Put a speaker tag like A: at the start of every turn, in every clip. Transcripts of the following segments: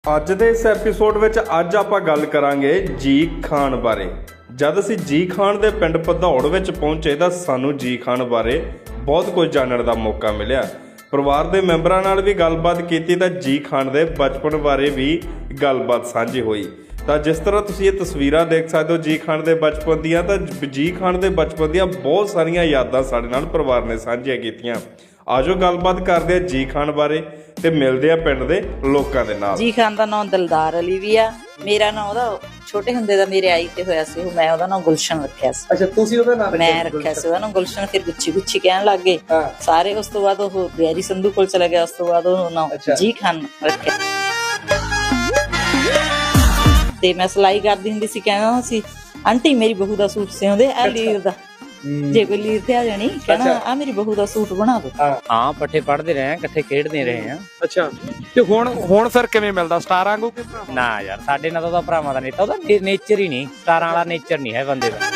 A: ਅੱਜ ਦੇ ਇਸ ਐਪੀਸੋਡ ਵਿੱਚ ਅੱਜ ਆਪਾਂ ਗੱਲ ਕਰਾਂਗੇ ਜੀ ਖਾਨ ਬਾਰੇ। ਜਦ ਅਸੀਂ ਜੀ ਖਾਨ ਦੇ ਪਿੰਡ ਭਦੌੜ ਵਿੱਚ ਪਹੁੰਚੇ ਤਾਂ ਸਾਨੂੰ ਜੀ ਖਾਨ ਬਾਰੇ ਬਹੁਤ ਕੁਝ ਜਾਣਨ ਦਾ ਮੌਕਾ ਮਿਲਿਆ। ਪਰਿਵਾਰ ਦੇ ਮੈਂਬਰਾਂ ਨਾਲ ਵੀ ਗੱਲਬਾਤ ਕੀਤੀ ਤਾਂ ਜੀ ਖਾਨ ਦੇ ਬਚਪਨ ਬਾਰੇ ਵੀ ਗੱਲਬਾਤ ਸਾਂਝੀ ਹੋਈ। ਤਾਂ ਜਿਸ ਤਰ੍ਹਾਂ ਤੁਸੀਂ ਇਹ ਤਸਵੀਰਾਂ ਦੇਖ ਸਕਦੇ ਹੋ ਜੀ ਖਾਨ ਦੇ ਬਚਪਨ ਦੀਆਂ, ਤਾਂ ਜੀ ਖਾਨ ਦੇ ਬਚਪਨ ਦੀਆਂ ਬਹੁਤ ਸਾਰੀਆਂ ਯਾਦਾਂ ਸਾਡੇ ਨਾਲ ਪਰਿਵਾਰ ਨੇ ਸਾਂਝੀਆਂ ਕੀਤੀਆਂ। ਆਜੋ ਗੱਲਬਾਤ ਕਰਦੇ ਆ ਜੀ ਖਾਨ ਬਾਰੇ ਤੇ ਮਿਲਦੇ ਆ ਪਿੰਡ ਦੇ ਲੋਕਾਂ ਦੇ ਨਾਲ।
B: ਜੀ ਖਾਨ ਦਾ ਨਾਮ ਦਿਲਦਾਰ ਅਲੀ ਵੀ ਆ। ਮੇਰਾ ਨਾਮ ਉਹਦਾ ਛੋਟੇ ਹੁੰਦੇ ਦਾ ਮੇਰੇ ਆਈ ਤੇ ਹੋਇਆ ਸੀ, ਮੈਂ ਉਹਦਾ ਨਾਮ ਗੁਲਸ਼ਨ ਰੱਖਿਆ ਸੀ।
C: ਅੱਛਾ, ਤੁਸੀਂ ਉਹਦਾ ਨਾਮ
B: ਮੈਂ ਰੱਖਿਆ ਸੀ ਉਹਦਾ ਨਾਮ ਗੁਲਸ਼ਨ। ਫਿਰ ਗੁੱਚੀ ਗੁੱਚੀ ਕਹਿਣ ਲੱਗ ਗਏ ਸਾਰੇ। ਉਸ ਤੋਂ ਬਾਅਦ ਉਹ ਬਿਆਰੀ ਸੰਧੂ ਕੋਲ ਚਲਾ ਗਿਆ। ਉਸ ਤੋਂ ਬਾਅਦ ਉਹ ਨਾਮ ਜੀ ਖਾਨ ਰੱਖਿਆ। ਤੇ ਮੈਂ ਸਿਲਾਈ ਕਰਦੀ ਹੁੰਦੀ ਸੀ, ਕਹਿਣਾ ਸੀ ਆਂਟੀ ਮੇਰੀ ਬਹੂ ਦਾ ਸੂਟ ਸਿਉਂਦੇ ਆ ਲੀਰ ਦਾ। ਜੇ ਕੋਈ ਲੀਰ ਤੇ ਆ ਜਾਣੀ ਕਹਿਣਾ ਆ ਮੇਰੀ ਬਹੂ ਦਾ ਸੂਟ ਬਣਾ ਦੋ।
D: ਹਾਂ, ਪੱਠੇ ਪੜ੍ਹਦੇ ਰਹੇ, ਇਕੱਠੇ ਖੇਡਦੇ ਰਹੇ ਆ।
C: ਅੱਛਾ, ਤੇ ਹੁਣ ਫਿਰ ਕਿਵੇਂ ਮਿਲਦਾ? ਸਟਾਰਾਂ ਵਾਂਗੂ ਕਿ
D: ਨਾ ਯਾਰ, ਸਾਡੇ ਨਾਲ ਤਾਂ ਉਹਦਾ ਭਰਾਵਾਂ ਦਾ ਨੇਤਾ, ਉਹਦਾ ਨੇਚਰ ਹੀ ਨਹੀਂ, ਸਟਾਰਾਂ ਵਾਲਾ ਨੇਚਰ ਨਹੀਂ ਹੈ ਬੰਦੇ ਦਾ।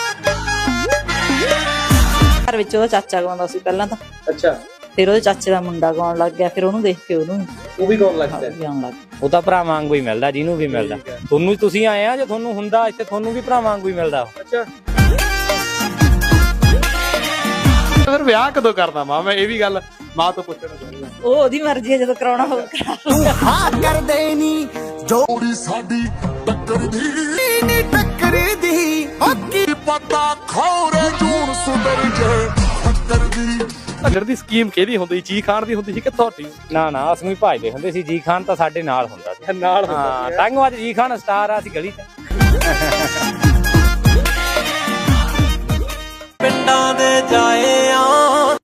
B: ਘਰ ਵਿੱਚ ਉਹਦਾ ਚਾਚਾ ਗਾਉਂਦਾ ਸੀ ਪਹਿਲਾਂ ਤਾਂ।
C: ਅੱਛਾ,
B: ਫਿਰ ਉਹਦੇ ਚਾਚੇ ਦਾ ਮੁੰਡਾ ਗਾਉਣ ਲੱਗ ਗਿਆ। ਫਿਰ ਉਹਨੂੰ ਦੇਖ ਕੇ ਉਹਨੂੰ
C: ਉਹ ਵੀ ਗਾਉਣ ਲੱਗ ਪਿਆ।
B: ਗਾਉਣ ਲੱਗ
D: ਉਹ ਤਾਂ ਭਰਾ ਵਾਂਗੂ ਹੀ ਮਿਲਦਾ, ਜਿਹਨੂੰ ਵੀ ਮਿਲਦਾ। ਤੁਹਾਨੂੰ ਤੁਸੀਂ ਆਏ ਆ, ਜੇ ਤੁਹਾਨੂੰ ਹੁੰਦਾ ਇੱਥੇ ਤੁਹਾਨੂੰ ਵੀ ਭਰਾ ਵਾਂਗੂ ਹੀ ਮਿਲਦਾ।
C: ਅੱਛਾ, ਫਿਰ ਵਿਆਹ ਕਦੋਂ ਕਰਦਾ ਮਾਂ? ਮੈਂ ਇਹ ਵੀ ਗੱਲ ਮਾਂ ਤੋਂ ਪੁੱਛਣਾ ਚਾਹੁੰਦਾ।
B: ਉਹ ਉਹਦੀ ਮਰਜ਼ੀ ਹੈ, ਜਦੋਂ ਕਰਾਉਣਾ ਹੋਵੇ ਕਰਾ ਲੂਗਾ।
E: ਹਾਂ ਕਰਦੇ ਨੀ ਜੋੜੀ ਸਾਡੀ ਟੱਕਰਦੀ ਨੀ ਟੱਕਰਦੀ ਹੱਕੀ ਪਤਾ ਖੌਰੇ ਜੂਨ ਸੁਧਰ ਜੇ ਟੱਕਰਦੀ।
C: ਭੱਜਣ ਦੀ ਸਕੀਮ ਕਿਹਦੀ ਹੁੰਦੀ? ਜੀ ਖਾਨ ਦੀ ਹੁੰਦੀ ਸੀ ਕਿ ਤੁਹਾਡੀ?
D: ਨਾ ਅਸੀਂ ਵੀ ਭਜਦੇ ਹੁੰਦੇ ਸੀ। ਜੀ ਖਾਨ ਤਾਂ ਸਾਡੇ ਨਾਲ ਹੁੰਦਾ ਸੀ।
C: ਨਾਲ
D: ਹਾਂ, ਟੰਗ ਅੱਜ ਜੀ ਖਾਨ ਸਟਾਰ ਆ ਸੀ ਗਲੀ ਚ।
E: ਪਿੰਡਾਂ ਦੇ ਜਾਏ ਆ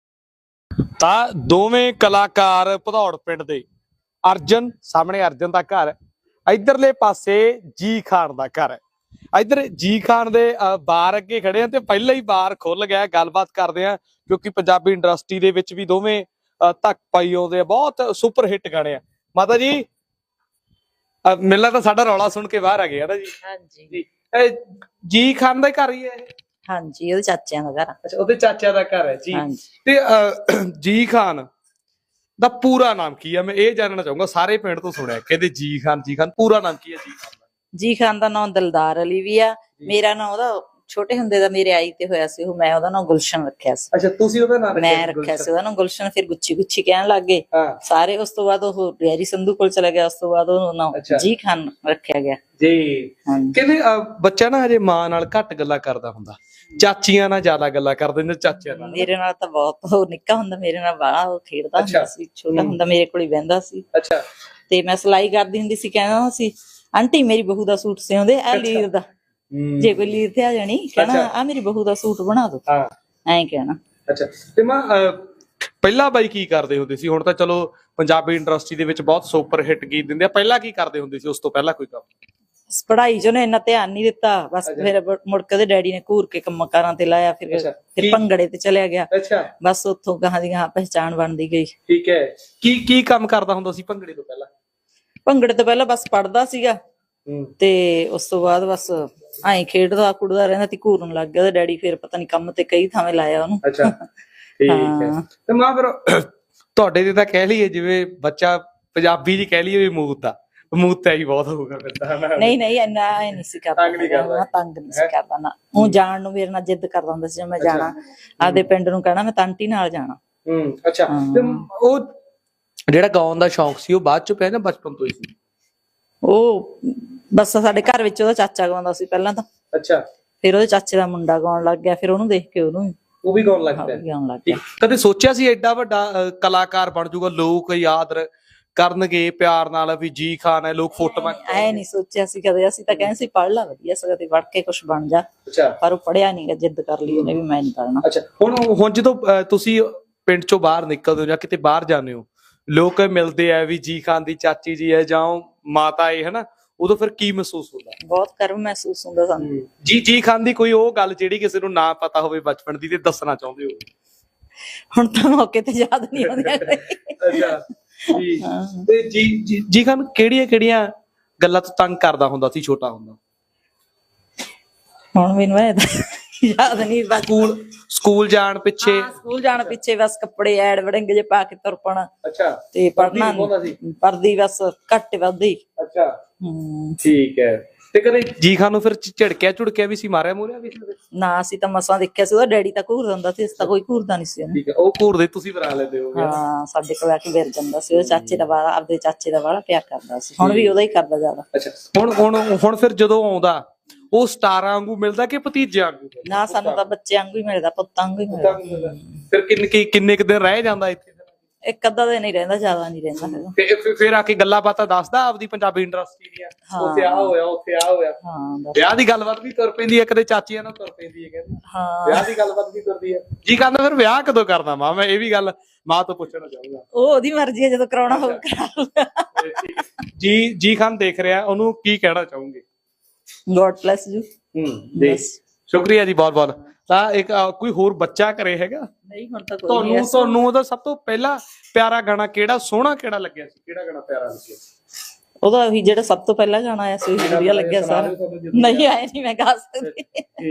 C: ਤਾਂ ਦੋਵੇਂ ਕਲਾਕਾਰ ਭਦੌੜ ਪਿੰਡ ਦੇ। ਅਰਜਨ ਸਾਹਮਣੇ ਅਰਜਨ ਦਾ ਘਰ, ਇਧਰਲੇ ਪਾਸੇ ਜੀ ਖਾਨ ਦਾ ਘਰ ਹੈ। ਇਧਰ ਜੀ ਖਾਨ ਦੇ ਬਾਰ ਅੱਗੇ ਖੜੇ ਆ ਤੇ ਪਹਿਲਾਂ ਹੀ ਬਾਰ ਖੁੱਲ ਗਿਆ। ਗੱਲਬਾਤ ਕਰਦੇ ਆ ਕਿਉਂਕਿ ਪੰਜਾਬੀ ਇੰਡਸਟਰੀ ਦੇ ਵਿੱਚ ਵੀ ਦੋਵੇਂ ਧੱਕ ਪਾਈ ਆਉਂਦੇ ਆ। ਬਹੁਤ ਸੁਪਰ ਹਿੱਟ ਗਾਣੇ ਆ। ਮਾਤਾ ਜੀ ਮਿਲਣਾ ਤਾਂ ਸਾਡਾ ਰੌਲਾ ਸੁਣ ਕੇ ਬਾਹਰ ਆ ਗਏ ਨਾ ਜੀ?
B: ਹਾਂਜੀ
C: ਜੀ ਖਾਨ ਦਾ ਘਰ ਹੀ ਹੈ ਇਹ?
B: ਹਾਂਜੀ, ਉਹਦੇ ਚਾਚਿਆਂ ਦਾ ਘਰ।
C: ਅੱਛਾ, ਉਹਦੇ ਚਾਚਿਆਂ ਦਾ ਘਰ ਹੈ ਜੀ।
B: ਹਾਂਜੀ।
C: ਤੇ ਜੀ ਖਾਨ ਦਾ ਪੂਰਾ ਨਾਮ ਕੀ ਹੈ? ਮੈਂ ਇਹ ਜਾਣਨਾ ਚਾਹੂੰਗਾ। ਸਾਰੇ ਪਿੰਡ ਤੋਂ ਸੁਣਿਆ ਕਹਿੰਦੇ ਜੀ ਖਾਨ ਪੂਰਾ ਨਾਮ ਕੀ ਹੈ ਜੀ ਖਾਨ ਦਾ?
B: ਜੀ ਖਾਨ ਦਾ ਨਾਮ ਦਿਲਦਾਰ ਅਲੀ ਵੀ ਆ। ਮੇਰਾ ਨਾਮ ਉਹਦਾ ਛੋਟੇ ਹੁੰਦੇ ਦਾ ਮੇਰੇ ਆਈ ਤੇ ਹੋਇਆ ਸੀ, ਮੈਂ ਉਹਦਾ ਨਾਮ ਗੁਲਸ਼ਨ ਰੱਖਿਆ ਸੀ।
C: ਅੱਛਾ, ਤੁਸੀਂ ਉਹਦਾ ਨਾਮ
B: ਮੈਂ ਰੱਖਿਆ ਸੀ ਉਹਦਾ ਨਾਮ ਗੁਲਸ਼ਨ। ਫਿਰ ਗੁੱਚੀ ਗੁੱਚੀ ਕਹਿਣ ਲੱਗ ਗਏ ਸਾਰੇ। ਉਸ ਤੋਂ ਬਾਅਦ ਉਹ ਬਿਆਰੀ ਸੰਧੂ ਕੋਲ ਚਲਾ ਗਿਆ। ਉਸ ਤੋਂ ਬਾਅਦ ਉਹ ਨਾਮ ਜੀ ਖਾਨ ਰੱਖਿਆ ਗਿਆ
C: ਜੀ। ਕਹਿੰਦੇ ਬੱਚਾ ਨਾ ਹਜੇ ਮਾਂ ਨਾਲ ਘੱਟ ਗੱਲਾਂ ਕਰਦਾ ਹੁੰਦਾ, ਚਾਚੀਆਂ ਨਾਲ ਜ਼ਿਆਦਾ ਗੱਲਾਂ ਕਰਦੇ ਨੇ। ਚਾਚਿਆਂ ਨਾਲ
B: ਮੇਰੇ ਨਾਲ ਤਾਂ ਬਹੁਤ, ਉਹ ਨਿੱਕਾ ਹੁੰਦਾ ਮੇਰੇ ਨਾਲ ਬਾਹਲਾ ਉਹ ਖੇਡਦਾ ਹੁੰਦਾ ਸੀ। ਛੋਟਾ ਹੁੰਦਾ ਮੇਰੇ ਕੋਲ ਹੀ ਬਹਿੰਦਾ ਸੀ।
C: ਅੱਛਾ,
B: ਤੇ ਮੈਂ ਸਿਲਾਈ ਕਰਦੀ ਹੁੰਦੀ ਸੀ, ਕਹਿਣਾ ਸੀ ਆਂਟੀ ਮੇਰੀ ਬਹੂ ਦਾ ਸੂਟ ਸਿਉਂਦੇ ਆ ਲੀਰ ਦਾ। ਜੇ ਕੋਈ ਲੀਰ ਤੇ ਆ ਜਾਣੀ ਕਹਿਣਾ ਆ ਮੇਰੀ ਬਹੂ ਦਾ ਸੂਟ ਬਣਾ ਦੋ। ਐਂ ਕਹਿਣਾ।
C: ਅੱਛਾ, ਤੇ ਮਾਂ ਪਹਿਲਾਂ ਬਾਈ ਕੀ ਕਰਦੇ ਹੁੰਦੇ ਸੀ? ਹੁਣ ਤਾਂ ਚਲੋ ਪੰਜਾਬੀ ਇੰਡਸਟਰੀ ਦੇ ਵਿੱਚ ਬਹੁਤ ਸੁਪਰ ਹਿੱਟ ਗੀਤ ਦਿੰਦੇ ਆ। ਪਹਿਲਾਂ ਕੀ ਕਰਦੇ ਹੁੰਦੇ ਸੀ? ਉਸ ਤੋਂ ਪਹਿਲਾਂ ਕੋਈ ਕੰਮ?
B: ਪੜ੍ਹਾਈ ਚ ਉਹਨੇ ਇੰਨਾ ਧਿਆਨ ਨਹੀਂ ਦਿੱਤਾ। ਬਸ ਫਿਰ ਮੁੜ ਕੇ ਉਹਦੇ ਡੈਡੀ ਨੇ ਘੂਰ ਕੇ ਕੰਮਾਂ ਕਾਰਾਂ ਤੇ ਲਾਇਆ। ਫਿਰ ਭੰਗੜੇ ਤੇ ਚਲਿਆ ਗਿਆ।
C: ਅੱਛਾ,
B: ਬਸ ਉੱਥੋਂ ਗਾਹਾਂ ਦੀ ਗਾਹਾਂ ਪਹਿਚਾਣ ਬਣਦੀ ਗਈ।
C: ਠੀਕ ਹੈ। ਕੀ ਕੰਮ ਕਰਦਾ ਹੁੰਦਾ ਸੀ ਭੰਗੜੇ ਤੋਂ ਪਹਿਲਾਂ?
B: ਭੰਗੜੇ ਤੋਂ ਪਹਿਲਾਂ ਬਸ ਪੜ੍ਹਦਾ ਸੀਗਾ ਤੇ ਉਸ ਤੋਂ ਬਾਅਦ ਬਸ ਐਂ ਖੇਡਦਾ ਕੁੜਦਾ ਰਹਿੰਦਾ ਤੇ ਘੂਰਨ ਲੱਗ ਗਿਆ ਉਹਦਾ ਡੈਡੀ। ਫਿਰ ਪਤਾ ਨੀ ਕੰਮ ਤੇ ਕਈ ਥਾਵੇਂ ਲਾਇਆ ਉਹਨੂੰ।
C: ਅੱਛਾ, ਠੀਕ ਹੈ। ਤੇ ਮਾਂ ਫਿਰ ਤੁਹਾਡੇ ਤੇ ਤਾਂ ਕਹਿ ਲਈਏ ਜਿਵੇਂ ਬੱਚਾ ਪੰਜਾਬੀ ਜੀ ਕਹਿ ਲਈਏ ਵੀ ਮੂਤ ਹੀ ਬਹੁਤ ਹੋਊਗਾ ਫਿਰ ਤਾਂ।
B: ਨਹੀਂ ਇੰਨਾ ਐ ਨਹੀਂ ਸੀ ਕਰਦਾ, ਤੰਗ ਨਹੀਂ ਸੀ ਕਰਦਾ ਨਾ। ਉਹ ਜਾਣ ਨੂੰ ਮੇਰੇ ਨਾਲ ਜਿੱਦ ਕਰਦਾ ਹੁੰਦਾ ਸੀ, ਮੈਂ ਜਾਣਾ ਆਪਦੇ ਪਿੰਡ ਨੂੰ, ਕਹਿਣਾ ਮੈਂ ਤਾਂਟੀ ਨਾਲ ਜਾਣਾ।
C: ਅੱਛਾ, ਤੇ ਉਹ ਜਿਹੜਾ ਗਾਉਣ ਦਾ ਸ਼ੌਂਕ ਸੀ ਉਹ ਬਾਅਦ ਚ ਪਿਆ ਜਾਂ ਬਚਪਨ ਤੋਂ ਹੀ ਸੀ?
B: ਉਹ ਬਸ ਸਾਡੇ ਘਰ ਵਿੱਚ ਉਹਦਾ ਚਾਚਾ ਗਾਉਂਦਾ ਸੀ ਪਹਿਲਾਂ ਤਾਂ।
C: ਅੱਛਾ,
B: ਫਿਰ ਉਹਦੇ ਚਾਚੇ ਦਾ ਮੁੰਡਾ ਗਾਉਣ ਲੱਗ ਗਿਆ। ਫਿਰ ਉਹਨੂੰ ਦੇਖ ਕੇ ਉਹਨੂੰ
C: ਉਹ ਵੀ ਗਾਉਣ ਲੱਗ ਪਿਆ। ਕਦੇ ਸੋਚਿਆ ਸੀ ਐਡਾ ਵੱਡਾ ਕਲਾਕਾਰ ਬਣ ਜਾਊਗਾ, ਲੋਕ ਯਾਦ ਕਰਨਗੇ ਪਿਆਰ ਨਾਲ ਵੀ ਜੀ ਖਾਨ ਹੈ, ਲੋਕ ਫੋਟੋਆਂ? ਐ
B: ਨਹੀਂ ਸੋਚਿਆ ਸੀ ਕਦੇ। ਅਸੀਂ ਤਾਂ ਕਹਿੰਦੇ ਸੀ ਪੜ੍ਹ ਲਾ ਵਧੀਆ ਸਗੋਂ ਤੇ ਪੜ੍ਹ ਕੇ ਕੁਛ ਬਣ ਜਾ। ਪਰ ਉਹ ਪੜ੍ਹਿਆ ਨੀ ਗਾ, ਜਿੱਦ ਕਰ ਲਈ ਉਹਨੇ ਵੀ ਮੈਂ ਨਹੀਂ ਪੜ੍ਹਨਾ।
C: ਅੱਛਾ, ਹੁਣ ਜਦੋਂ ਤੁਸੀਂ ਪਿੰਡ ਚੋਂ ਬਾਹਰ ਨਿਕਲਦੇ ਹੋ ਜਾਂ ਕਿਤੇ ਬਾਹਰ ਜਾਂਦੇ ਹੋ, ਲੋਕ ਮਿਲਦੇ ਆ ਵੀ ਜੀ ਖਾਨ ਦੀ ਚਾਚੀ ਜੀ ਹੈ ਜਾਂ ਮਾਤਾ ਹੈ ਹਨਾ, ਉਦੋਂ ਫਿਰ ਕੀ ਮਹਿਸੂਸ ਹੁੰਦਾ?
B: ਬਹੁਤ ਗਰਵ ਮਹਿਸੂਸ ਹੁੰਦਾ ਸਾਨੂੰ।
C: ਜੀ ਖਾਨ ਦੀ ਕੋਈ ਉਹ ਗੱਲ ਜਿਹੜੀ ਕਿਸੇ ਨੂੰ ਨਾ ਪਤਾ ਹੋਵੇ ਬਚਪਨ ਦੀ ਤੇ ਦੱਸਣਾ ਚਾਹੁੰਦੇ ਹੋ?
B: ਹੁਣ ਤਾਂ ਮੌਕੇ ਤੇ ਯਾਦ ਨਹੀਂ ਆਉਂਦੀਆਂ।
C: ਅੱਛਾ ਜੀ। ਤੇ ਜੀ ਖਾਨ ਕਿਹੜੀਆਂ ਗੱਲਾਂ ਤੋਂ ਤੰਗ ਕਰਦਾ ਹੁੰਦਾ ਸੀ ਛੋਟਾ ਹੁੰਦਾ?
B: ਹੁਣ ਮੈਨੂੰ ਯਾਦ ਨਹੀਂ ਬਸ
C: ਸਕੂਲ ਜਾਣ ਪਿੱਛੇ
B: ਹਾਂ, ਸਕੂਲ ਜਾਣ ਪਿੱਛੇ ਬਸ ਕੱਪੜੇ ਐਡ ਵੜਿੰਗ ਜੇ ਪਾ ਕੇ ਤੁਰ ਪਣਾ
C: ਅੱਛਾ
B: ਤੇ ਪੜਨਾ ਪੜਦੀ ਬਸ ਘੱਟ ਵੱਧੀ।
C: ਅੱਛਾ ਠੀਕ ਹੈ। ਤੇ ਕਦੇ ਜੀ ਖਾਨ ਨੂੰ ਫਿਰ ਝੜਕਿਆ ਵੀ ਸੀ, ਮਾਰਿਆ ਮੂਰਿਆ ਵੀ ਸੀ?
B: ਨਾ ਅਸੀਂ ਤਾਂ ਮਸਾਂ ਦੇਖਿਆ ਸੀ, ਉਹਦਾ ਡੈਡੀ ਤਾਂ ਘੂਰਦਾ ਹੁੰਦਾ ਸੀ, ਅਸੀਂ ਤਾਂ ਕੋਈ ਘੂਰਦਾ ਨਹੀਂ ਸੀ ਉਹਨੂੰ।
C: ਠੀਕ ਹੈ, ਉਹ ਘੂਰਦੇ ਤੁਸੀਂ ਬਣਾ ਲੈਂਦੇ ਹੋ?
B: ਹਾਂ, ਸਾਡੇ ਕੋਲ ਆ ਕੇ ਵਿਰ ਜਾਂਦਾ ਸੀ। ਉਹ ਚਾਚੇ ਦਾ ਵਾਲਾ, ਆਪਦੇ ਚਾਚੇ ਦਾ ਵਾਲਾ ਪਿਆਰ ਕਰਦਾ ਸੀ, ਹੁਣ ਵੀ ਉਹਦਾ ਹੀ ਕਰਦਾ ਜ਼ਿਆਦਾ।
C: ਅੱਛਾ, ਹੁਣ ਫਿਰ ਜਦੋਂ ਆਉਂਦਾ ਉਹ ਸਟਾਰਾਂ ਵਾਂਗੂ ਮਿਲਦਾ ਕਿ ਭਤੀਜਿਆਂ ਵਾਂਗੂ?
B: ਨਾ, ਸਾਨੂੰ ਤਾਂ ਬੱਚਿਆਂ ਵਾਂਗੂ ਹੀ ਮਿਲਦਾ, ਪੁੱਤਾਂ ਵਾਂਗੂ ਹੀ ਮਿਲਦਾ।
C: ਫਿਰ ਕਿੰਨੇ ਕੁ ਦਿਨ ਰਹਿ ਜਾਂਦਾ ਇੱਥੇ?
B: ਇੱਕ ਅੱਧਾ ਦਿਨ ਹੀ ਰਹਿੰਦਾ, ਜ਼ਿਆਦਾ ਨਹੀਂ ਰਹਿੰਦਾ ਹੈਗਾ।
C: ਤੇ ਫਿਰ ਆ ਕੇ ਗੱਲਾਂ ਬਾਤਾਂ ਦੱਸਦਾ ਆਪਦੀ ਪੰਜਾਬੀ ਇੰਡਸਟਰੀ ਦੀਆਂ, ਉੱਥੇ ਆ ਹੋਇਆ ਉੱਥੇ ਆ ਹੋਇਆ?
B: ਹਾਂ,
C: ਵਿਆਹ ਦੀ ਗੱਲਬਾਤ ਵੀ ਤੁਰ ਪੈਂਦੀ ਹੈ, ਕਦੇ ਚਾਚੀਆਂ ਨਾਲ ਤੁਰ ਪੈਂਦੀ ਹੈ ਕਹਿੰਦੇ?
B: ਹਾਂ,
C: ਵਿਆਹ ਦੀ ਗੱਲਬਾਤ ਵੀ ਤੁਰਦੀ ਹੈ। ਜੀ ਕਹਿੰਦਾ ਫਿਰ ਵਿਆਹ ਕਦੋਂ ਕਰਦਾ ਮਾਂ? ਮੈਂ ਇਹ ਵੀ ਗੱਲ ਮਾਂ ਤੋਂ ਪੁੱਛਣਾ ਚਾਹੂੰਗਾ।
B: ਉਹ ਉਹਦੀ ਮਰਜ਼ੀ ਹੈ, ਜਦੋਂ ਕਰਾਉਣਾ ਹੋਊ ਕਰਾ ਲਊਗਾ।
C: ਜੀ ਖਾਨ ਦੇਖ ਰਿਹਾ, ਉਹਨੂੰ ਕੀ ਕਹਿਣਾ ਚਾਹੂੰਗੇ?
B: God bless you.
C: ਸ਼ੁਕਰੀਆ ਜੀ ਬਹੁਤ ਬਹੁਤ। ਤਾਂ ਇੱਕ ਕੋਈ ਹੋਰ ਬੱਚਾ ਘਰੇ ਹੈਗਾ?
B: ਨਹੀਂ, ਹੁਣ ਤਾਂ ਕੋਈ ਨਹੀਂ।
C: ਤੁਹਾਨੂੰ ਉਹਦਾ ਸਭ ਤੋਂ ਪਹਿਲਾ ਪਿਆਰਾ ਗਾਣਾ ਕਿਹੜਾ, ਸੋਹਣਾ ਕਿਹੜਾ ਲੱਗਿਆ ਸੀ? ਕਿਹੜਾ ਗਾਣਾ ਪਿਆਰਾ ਲੱਗਿਆ?
B: ਉਹਦਾ ਉਹੀ ਜਿਹੜਾ ਸਭ ਤੋਂ ਪਹਿਲਾਂ ਗਾਣਾ ਆਇਆ ਸੀ, ਵਧੀਆ ਲੱਗਿਆ ਸਾਰਾ। ਨਹੀਂ ਆਇਆ, ਨਹੀਂ ਮੈਂ ਗਾ ਸਕਦੀ।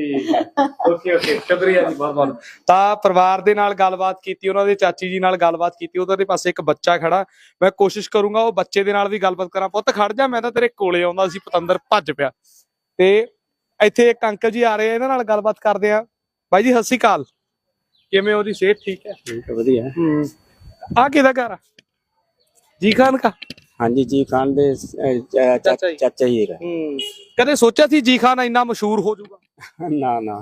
C: ਓਕੇ ਸ਼ੁਕਰੀਆ ਜੀ ਬਹੁਤ ਬਹੁਤ। ਤਾਂ ਪਰਿਵਾਰ ਦੇ ਨਾਲ ਗੱਲਬਾਤ ਕੀਤੀ, ਉਹਨਾਂ ਦੇ ਚਾਚੀ ਜੀ ਨਾਲ ਗੱਲਬਾਤ ਕੀਤੀ, ਉਹਦੇ ਪਾਸੇ ਇੱਕ ਬੱਚਾ ਖੜਾ। ਮੈਂ ਕੋਸ਼ਿਸ਼ ਕਰੂੰਗਾ ਉਹ ਬੱਚੇ ਦੇ ਨਾਲ ਵੀ ਗੱਲਬਾਤ ਕਰਾਂ। ਪੁੱਤ ਖੜ ਜਾ, ਮੈਂ ਤਾਂ ਤੇਰੇ ਕੋਲੇ ਆਉਂਦਾ ਸੀ, ਪਤੰਦਰ ਭੱਜ ਪਿਆ। ਤੇ ਇੱਥੇ ਇੱਕ ਅੰਕਲ ਜੀ ਆ ਰਹੇ ਆ, ਇਹਨਾਂ ਨਾਲ ਗੱਲਬਾਤ ਕਰਦੇ ਆ। ਬਾਈ ਜੀ ਸਤਿ ਸ਼੍ਰੀ ਅਕਾਲ, ਕਿਵੇਂ ਹੋ ਜੀ? ਸਿਹਤ ਠੀਕ ਹੈ?
F: ठीक है, बढ़िया है।
C: ਆ ਕਿਹਦਾ ਘਰ ਆ? ਜੀ ਖਾਨ ਕਾ?
F: हाँ जी, जी खान दे
C: चाचा
F: चाचा ही है।
C: ਕਦੇ ਸੋਚਿਆ ਸੀ ਜੀ ਖਾਨ ਇੰਨਾ ਮਸ਼ਹੂਰ ਹੋ ਜਾਊਗਾ?
F: ना ना,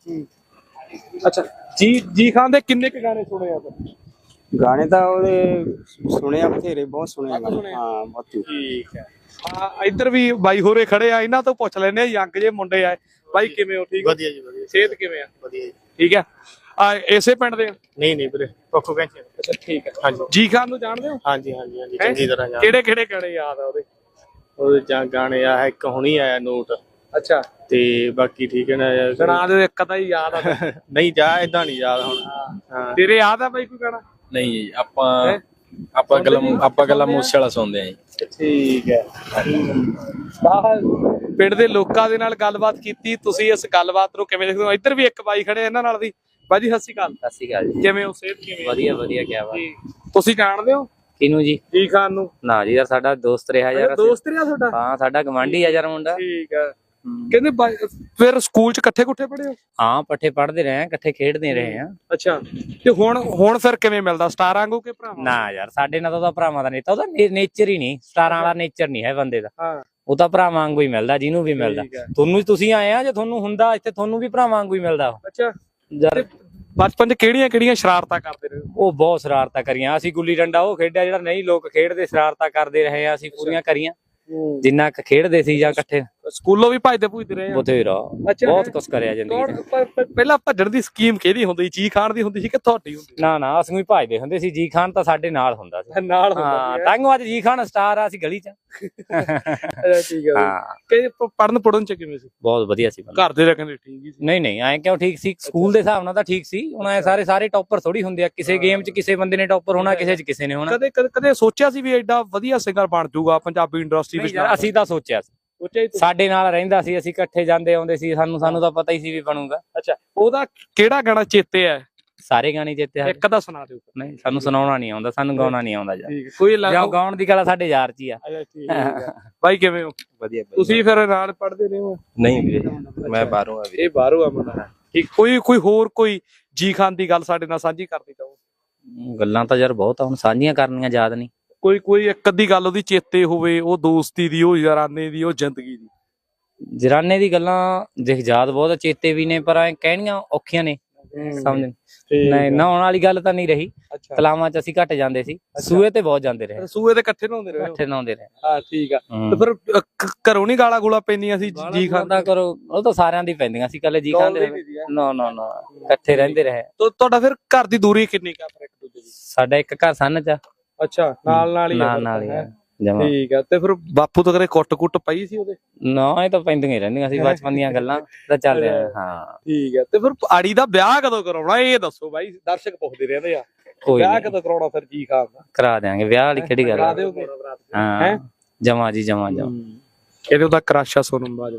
C: ਅੱਛਾ, ਜੀ ਖਾਨ ਦੇ ਕਿੰਨੇ ਕੁ ਗਾਣੇ ਸੁਣੇ ਆ?
F: गाने तो ਉਹਦੇ ਸੁਣੇ ਆ ਬਥੇਰੇ, ਬਹੁਤ ਸੁਣੇ ਆ ਗਾਣੇ। ਹਾਂ, ਬਹੁਤ।
C: ਠੀਕ ਹੈ। ਹਾਂ, ਇੱਧਰ ਵੀ ਬਾਈ ਹੋਰੇ ਖੜੇ ਆ, ਇਹਨਾਂ ਤੋਂ ਪੁੱਛ ਲੈਨੇ ਆ। ਯੰਗ ਜੇ ਮੁੰਡੇ ਆ ਬਾਈ, ਕਿਵੇਂ ਹੋ? ਠੀਕ
G: ਵਧੀਆ ਜੀ, ਵਧੀਆ।
C: ਸਿਹਤ ਕਿਵੇਂ ਆ?
G: ਵਧੀਆ ਜੀ।
C: ਠੀਕ ਹੈ। ਇਸੇ ਪਿੰਡ ਦੇ?
G: ਨਹੀਂ ਵੀਰੇ, ਪੱਖੋ ਕਹਿੰਦੇ।
C: ਅੱਛਾ ਠੀਕ ਹੈ।
G: ਹਾਂਜੀ।
C: ਜੀ ਖਾਨ ਨੂੰ ਜਾਣਦੇ ਹੋ?
G: ਹਾਂਜੀ ਚੰਗੀ ਤਰ੍ਹਾਂ ਜਾਣਦੇ।
C: ਕਿਹੜੇ ਕਿਹੜੇ ਗਾਣੇ ਯਾਦ ਆ ਉਹਦੇ?
G: ਉਹਦੇ ਗਾਣੇ ਆ, ਇੱਕ ਹੁਣੀ ਆਇਆ ਨੋਟ।
C: ਅੱਛਾ,
G: ਤੇ ਬਾਕੀ ਠੀਕ ਹੈ ਨਾ?
C: ਸੁਣਾ ਦਿਓ ਇੱਕ ਅੱਧਾ ਹੀ ਯਾਦ ਆ।
G: ਨਹੀਂ ਜਾ, ਏਦਾਂ ਨਹੀਂ ਯਾਦ ਹੁਣ। ਹਾਂ,
C: ਤੇਰੇ ਯਾਦ ਆ ਬਾਈ ਕੋਈ ਗਾਣਾ?
H: ਨਹੀਂ ਜੀ, ਆਪਾਂ ਗੱਲਾਂ ਮੂਸੇ ਵਾਲਾ ਸੁਣਦੇ ਆ ਜੀ।
C: ਠੀਕ ਹੈ। ਪਿੰਡ ਦੇ ਲੋਕਾਂ ਦੇ ਨਾਲ ਗੱਲਬਾਤ ਕੀਤੀ, ਤੁਸੀਂ ਇਸ ਗੱਲਬਾਤ ਨੂੰ ਕਿਵੇਂ ਦੇਖਦੇ ਹੋ? ਇੱਧਰ ਵੀ ਇੱਕ ਬਾਈ ਖੜੇ, ਇਹਨਾਂ ਨਾਲ ਵੀ। ਬਾਈ ਜੀ ਸਤਿ ਸ਼੍ਰੀ ਅਕਾਲ।
D: ਸਤਿ ਸ਼੍ਰੀ ਅਕਾਲ ਜੀ।
C: ਕਿਵੇਂ ਹੋ? ਸਿਹਤ ਕਿਵੇਂ?
D: ਵਧੀਆ ਵਧੀਆ, ਕਿਆ ਬਾਤ।
C: ਤੁਸੀਂ ਜਾਣਦੇ ਹੋ
D: ਕਿਹਨੂੰ ਜੀ?
C: ਜੀ ਖਾਨ ਨੂੰ?
D: ਨਾ ਜੀ ਯਾਰ, ਸਾਡਾ ਦੋਸਤ ਰਿਹਾ ਯਾਰ।
C: ਦੋਸਤ ਰਿਹਾ ਤੁਹਾਡਾ?
D: ਹਾਂ, ਸਾਡਾ ਗਵਾਂਢੀ ਆ ਯਾਰ ਮੁੰਡਾ।
C: ਠੀਕ ਹੈ। ਕਹਿੰਦੇ ਫਿਰ ਸਕੂਲ ਚ ਇਕੱਠੇ ਪੜ੍ਹੇ ਹੋ?
D: ਹਾਂ, ਪੱਠੇ ਪੜ੍ਹਦੇ ਰਹੇ ਆ, ਇਕੱਠੇ ਖੇਡਦੇ ਰਹੇ ਆ।
C: ਅੱਛਾ, ਤੇ ਹੁਣ ਫਿਰ ਕਿਵੇਂ ਮਿਲਦਾ? ਸਟਾਰਾਂ ਵਾਂਗੂ ਕਿ ਭਰਾਵਾਂ?
D: ਨਾ ਯਾਰ, ਸਾਡੇ ਨਾਲ ਤਾਂ ਉਹਦਾ ਭਰਾਵਾਂ ਦਾ ਨੇਤਾ, ਉਹਦਾ ਨੇਚਰ ਹੀ ਨਹੀਂ, ਸਟਾਰਾਂ ਵਾਲਾ ਨੇਚਰ ਨਹੀਂ ਹੈ ਬੰਦੇ ਦਾ।
C: ਹਾਂ,
D: ਉਹ ਤਾਂ ਭਰਾਵਾਂ ਵਾਂਗੂ ਹੀ ਮਿਲਦਾ, ਜਿਹਨੂੰ ਵੀ ਮਿਲਦਾ। ਤੁਸੀਂ ਆਏ ਆ, ਜੇ ਤੁਹਾਨੂੰ ਹੁੰਦਾ ਇੱਥੇ, ਤੁਹਾਨੂੰ ਵੀ ਭਰਾਵਾਂ ਵਾਂਗੂ ਹੀ ਮਿਲਦਾ।
C: ਅੱਛਾ
D: ਯਾਰ,
C: ਬਚਪਨ ਚ ਕਿਹੜੀਆਂ ਸ਼ਰਾਰਤਾਂ ਕਰਦੇ ਰਹੇ?
D: ਉਹ ਬਹੁਤ ਸ਼ਰਾਰਤਾਂ ਕਰੀਆਂ ਅਸੀਂ। ਗੁੱਲੀ ਡੰਡਾ ਉਹ ਖੇਡਿਆ ਜਿਹੜਾ ਨਹੀਂ ਲੋਕ ਖੇਡਦੇ, ਸ਼ਰਾਰਤਾਂ ਕਰਦੇ ਰਹੇ ਆ ਅਸੀਂ, ਪੂਰੀਆਂ ਕਰੀਆਂ ਜਿੰਨਾ ਖੇਡਦੇ ਸੀ ਜਾਂ ਇਕੱਠੇ।
C: ਸਕੂਲੋਂ ਵੀ ਭੱਜਦੇ ਰਹੇ ਆ?
D: ਬਥੇਰਾ, ਬਹੁਤ ਕੁਛ ਕਰਿਆ ਜ਼ਿੰਦਗੀ ਚ।
C: ਪਹਿਲਾਂ ਭੱਜਣ ਦੀ ਸਕੀਮ ਕਿਹਦੀ ਹੁੰਦੀ? ਜੀ ਖਾਨ ਦੀ ਹੁੰਦੀ ਸੀ ਕਿ ਤੁਹਾਡੀ ਹੁੰਦੀ?
D: ਨਾ, ਅਸੀਂ ਵੀ ਭੱਜਦੇ ਹੁੰਦੇ ਸੀ। ਜੀ ਖਾਨ ਤਾਂ ਸਾਡੇ ਨਾਲ ਹੁੰਦਾ ਸੀ।
C: ਨਾਲ
D: ਹਾਂ, ਤਾਂਗੋ ਅੱਜ ਜੀ ਖਾਨ ਸਟਾਰ ਆ, ਅਸੀਂ ਗਲੀ ਚ।
C: ਠੀਕ ਹੈ।
D: ਹਾਂ,
C: ਕਿ ਪੜਨ ਚ ਕਿਵੇਂ ਸੀ?
D: ਬਹੁਤ ਵਧੀਆ ਸੀ।
C: ਘਰ ਦੇ ਕਹਿੰਦੇ ਠੀਕ ਹੀ ਸੀ?
D: ਨਹੀਂ, ਐਂ ਕਿਉਂ ਠੀਕ ਸੀ? ਸਕੂਲ ਦੇ ਹਿਸਾਬ ਨਾਲ ਤਾਂ ਠੀਕ ਸੀ। ਹੁਣ ਐ ਸਾਰੇ ਟੌਪਰ ਥੋੜੀ ਹੁੰਦੇ ਆ। ਕਿਸੇ ਗੇਮ ਚ ਕਿਸੇ ਬੰਦੇ ਨੇ ਟੌਪਰ ਹੋਣਾ, ਕਿਸੇ ਚ ਕਿਸੇ ਨੇ ਹੋਣਾ।
C: ਕਦੇ ਸੋਚਿਆ ਸੀ ਵੀ ਐਡਾ ਵਧੀਆ ਸਿੰਗਰ ਬਣ ਜਾਊਗਾ ਪੰਜਾਬੀ ਇੰਡਸਟਰੀ ਵਿੱਚ?
D: ਅਸੀਂ ਤਾਂ ਸੋਚਿਆ ਸੀ, ਸਾਡੇ ਨਾਲ ਰਹਿੰਦਾ ਸੀ, ਅਸੀਂ ਇਕੱਠੇ ਜਾਂਦੇ ਆਉਂਦੇ ਸੀ, ਸਾਨੂੰ ਤਾਂ ਪਤਾ ਹੀ ਸੀ ਵੀ ਬਣੂਗਾ।
C: ਅੱਛਾ, ਉਹਦਾ ਕਿਹੜਾ ਗਾਣਾ ਚੇਤੇ ਹੈ?
D: ਸਾਰੇ ਗਾਣੇ ਚੇਤੇ ਆ।
C: ਇੱਕ ਤਾਂ ਸੁਣਾ ਦਿਓ।
D: ਨਹੀਂ, ਸਾਨੂੰ ਸੁਣਾਉਣਾ ਨਹੀਂ ਆਉਂਦਾ, ਸਾਨੂੰ ਗਾਉਣਾ ਨਹੀਂ ਆਉਂਦਾ ਯਾਰ।
C: ਕੋਈ
D: ਗਾਉਣ ਦੀ ਗੱਲ ਸਾਡੇ ਯਾਰ ਚ ਹੀ ਆ।
C: ਬਾਈ ਕਿਵੇਂ ਹੋ?
H: ਵਧੀਆ।
C: ਤੁਸੀਂ ਫਿਰ ਨਾਲ ਪੜ੍ਹਦੇ ਰਹੇ ਹੋ?
H: ਨਹੀਂ ਵੀਰੇ, ਮੈਂ ਬਾਹਰੋਂ ਆ ਵੀਰੇ।
C: ਇਹ ਬਾਹਰੋਂ ਆ ਮੁੰਡਾ। ਠੀਕ। ਕੋਈ ਜੀ ਖਾਨ ਦੀ ਗੱਲ ਸਾਡੇ ਨਾਲ ਸਾਂਝੀ ਕਰਨੀ ਚਾਹੋ?
D: ਗੱਲਾਂ ਤਾਂ ਯਾਰ ਬਹੁਤ ਆ, ਹੁਣ ਸਾਂਝੀਆਂ ਕਰਨੀਆਂ ਯਾਦ ਨਹੀਂ।
C: ਕੋਈ ਇੱਕ ਅੱਧੀ ਗੱਲ ਉਹਦੀ ਚੇਤੇ ਹੋਵੇ, ਉਹ ਦੋਸਤੀ ਦੀ, ਉਹ ਯਾਰਾਨੇ ਦੀ, ਉਹ ਜ਼ਿੰਦਗੀ ਦੀ?
D: ਜਰਾਨੇ ਦੀ ਗੱਲਾਂ ਦੇਖ ਯਾਦ ਬਹੁਤ, ਚੇਤੇ ਵੀ ਨੇ, ਪਰ ਐ ਕਹਿਣੀਆਂ ਔਖੀਆਂ ਨੇ, ਸਮਝ ਨਹੀਂ। ਨਹਾਉਣ ਵਾਲੀ ਗੱਲ ਤਾਂ ਨਹੀਂ ਰਹੀ। ਤਲਾਵਾਂ ਚ ਅਸੀਂ ਘੱਟ ਜਾਂਦੇ ਸੀ, ਸੂਏ ਤੇ ਬਹੁਤ ਜਾਂਦੇ ਰਹੇ।
C: ਸੂਏ ਤੇ ਇਕੱਠੇ ਨਹਾਉਂਦੇ ਰਹੇ? ਹਾਂ, ਠੀਕ ਆ। ਤੇ ਫਿਰ ਘਰੋਂ ਨਹੀਂ ਗਾਲਾਂ ਗੂਲਾਂ ਪੈਂਦੀਆਂ ਸੀ ਜੀ ਖਾਨ
D: ਦਾ? ਕਰੋ, ਉਹ ਤਾਂ ਸਾਰਿਆਂ ਦੀ ਪੈਂਦੀਆਂ ਸੀ, ਕੱਲੇ ਜੀ ਖਾਨ ਦੇ ਨਾ, ਇਕੱਠੇ ਰਹਿੰਦੇ ਰਹੇ।
C: ਤੁਹਾਡਾ ਫਿਰ ਘਰ ਦੀ ਦੂਰੀ ਕਿੰਨੀ ਕਾ ਇੱਕ ਦੂਜੇ ਦੀ?
D: ਸਾਡਾ ਇੱਕ ਘਰ ਸੰਨ ਚ।
C: ਅੱਛਾ, ਨਾਲ ਹੀ
D: ਜਮਾ।
C: ਠੀਕ ਆ। ਤੇ ਫਿਰ ਬਾਪੂ ਤੋਂ ਕਦੇ ਕੁੱਟ ਪਈ ਸੀ ਉਹਦੇ?
D: ਨਾ, ਇਹ ਤਾਂ ਪੈਂਦੀਆਂ ਹੀ ਰਹਿੰਦੀਆਂ ਸੀ, ਬਚਪਨ ਦੀਆਂ ਗੱਲਾਂ ਤਾਂ ਚੱਲ ਰਿਹਾ। ਹਾਂ,
C: ਠੀਕ ਆ। ਤੇ ਫਿਰ ਆੜੀ ਦਾ ਵਿਆਹ ਕਦੋਂ ਕਰਾਉਣਾ, ਇਹ ਦੱਸੋ ਬਾਈ, ਦਰਸ਼ਕ ਪੁੱਛਦੇ ਰਹਿੰਦੇ ਆ। ਵਿਆਹ ਕਦੋਂ ਕਰਾਉਣਾ ਫਿਰ ਜੀ ਖਾਨ ਦਾ?
D: ਕਰਾ ਦਿਆਂਗੇ, ਵਿਆਹ ਵਾਲੀ ਕਿਹੜੀ ਗੱਲ?
C: ਕਰਾ ਦਿਓਗੇ?
D: ਹਾਂ, ਜਮਾ ਜੀ, ਜਮਾ।
C: ਇਹਦੇ ਉਹਦਾ ਕਰਾਸ਼ਾ ਸੋਨਮ ਬਾਜਵਾ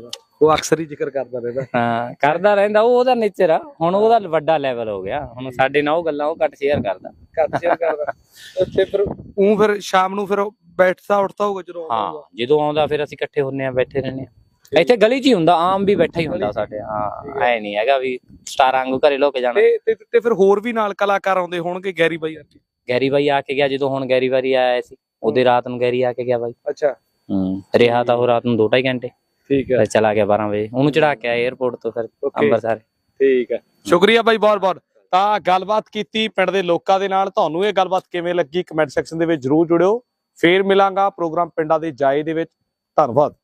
C: ਉਹ ਅਕਸਰ ਹੀ ਜ਼ਿਕਰ ਕਰਦਾ ਰਹਿੰਦਾ।
D: ਹਾਂ ਕਰਦਾ ਰਹਿੰਦਾ, ਉਹ ਉਹਦਾ ਨੇਚਰ ਆ। ਹੁਣ ਉਹਦਾ ਵੱਡਾ ਲੈਵਲ ਹੋ ਗਿਆ, ਹੁਣ ਸਾਡੇ ਨਾਲ ਉਹ ਗੱਲਾਂ ਉਹ ਘੱਟ ਸ਼ੇਅਰ ਕਰਦਾ।
C: ਘੱਟ ਸ਼ੇਅਰ ਕਰਦਾ। ਤੇ ਫਿਰ ਸ਼ਾਮ ਨੂੰ ਫਿਰ ਬੈਠਦਾ ਉੱਠਦਾ ਹੋਊਗਾ ਜਦੋਂ ਆਉਂਦਾ
D: ਹਾਂ
C: ਹੋਊਗਾ।
D: ਜਦੋਂ ਆਉਂਦਾ ਫਿਰ ਅਸੀਂ ਇਕੱਠੇ ਹੁੰਨੇ ਆ, ਬੈਠੇ ਰਹਿੰਦੇ ਆ। ਇੱਥੇ ਗਲੀ 'ਚ ਹੀ ਹੁੰਦਾ, ਆਮ ਵੀ ਬੈਠਾ ਹੀ ਹੁੰਦਾ ਸਾਡੇ। ਹਾਂ ਐ ਨਹੀਂ ਹੈਗਾ ਵੀ ਸਟਾਰਾਂ ਵਾਂਗੂ ਘਰੇ ਲੋ ਕੇ ਜਾਣਾ।
C: ਤੇ ਫਿਰ ਹੋਰ ਵੀ ਨਾਲ ਕਲਾਕਾਰ ਆਉਂਦੇ ਹੋਣਗੇ, ਗੈਰੀ ਬਾਈ ਅਰਜੀ?
D: ਗੈਰੀ ਬਾਈ ਆ ਕੇ ਗਿਆ ਜਦੋਂ, ਹੁਣ ਗੈਰੀ ਵਾਰੀ ਆਇਆ ਸੀ ਉਹਦੇ ਰਾਤ ਨੂੰ ਗੈਰੀ ਆ ਕੇ ਗਿਆ ਬਾਈ।
C: ਅੱਛਾ
D: ਰਿਹਾ ਤਾਂ ਉਹ ਰਾਤ ਨੂੰ 2-2.5 ਘੰਟੇ,
C: ਠੀਕ ਹੈ।
D: ਫਿਰ ਚਲਾ ਗਿਆ 12 ਵਜੇ, ਉਹਨੂੰ ਚੜਾ ਕੇ ਆਇਆ 에어ਪੋਰਟ ਤੋਂ ਫਿਰ ਅੰਮ੍ਰਿਤਸਰ।
C: ਠੀਕ ਹੈ, ਸ਼ੁਕਰੀਆ ਬਾਈ ਬਹੁਤ ਬਹੁਤ। ਤਾਂ ਗੱਲਬਾਤ ਕੀਤੀ ਪਿੰਡ ਦੇ ਲੋਕਾਂ ਦੇ ਨਾਲ। ਤੁਹਾਨੂੰ ਇਹ ਗੱਲਬਾਤ ਕਿਵੇਂ ਲੱਗੀ ਕਮੈਂਟ ਸੈਕਸ਼ਨ ਦੇ ਵਿੱਚ ਜਰੂਰ ਜੁੜਿਓ। ਫੇਰ ਮਿਲਾਂਗਾ ਪ੍ਰੋਗਰਾਮ ਪਿੰਡਾਂ ਦੇ ਜਾਏ ਦੇ ਵਿੱਚ। ਧੰਨਵਾਦ।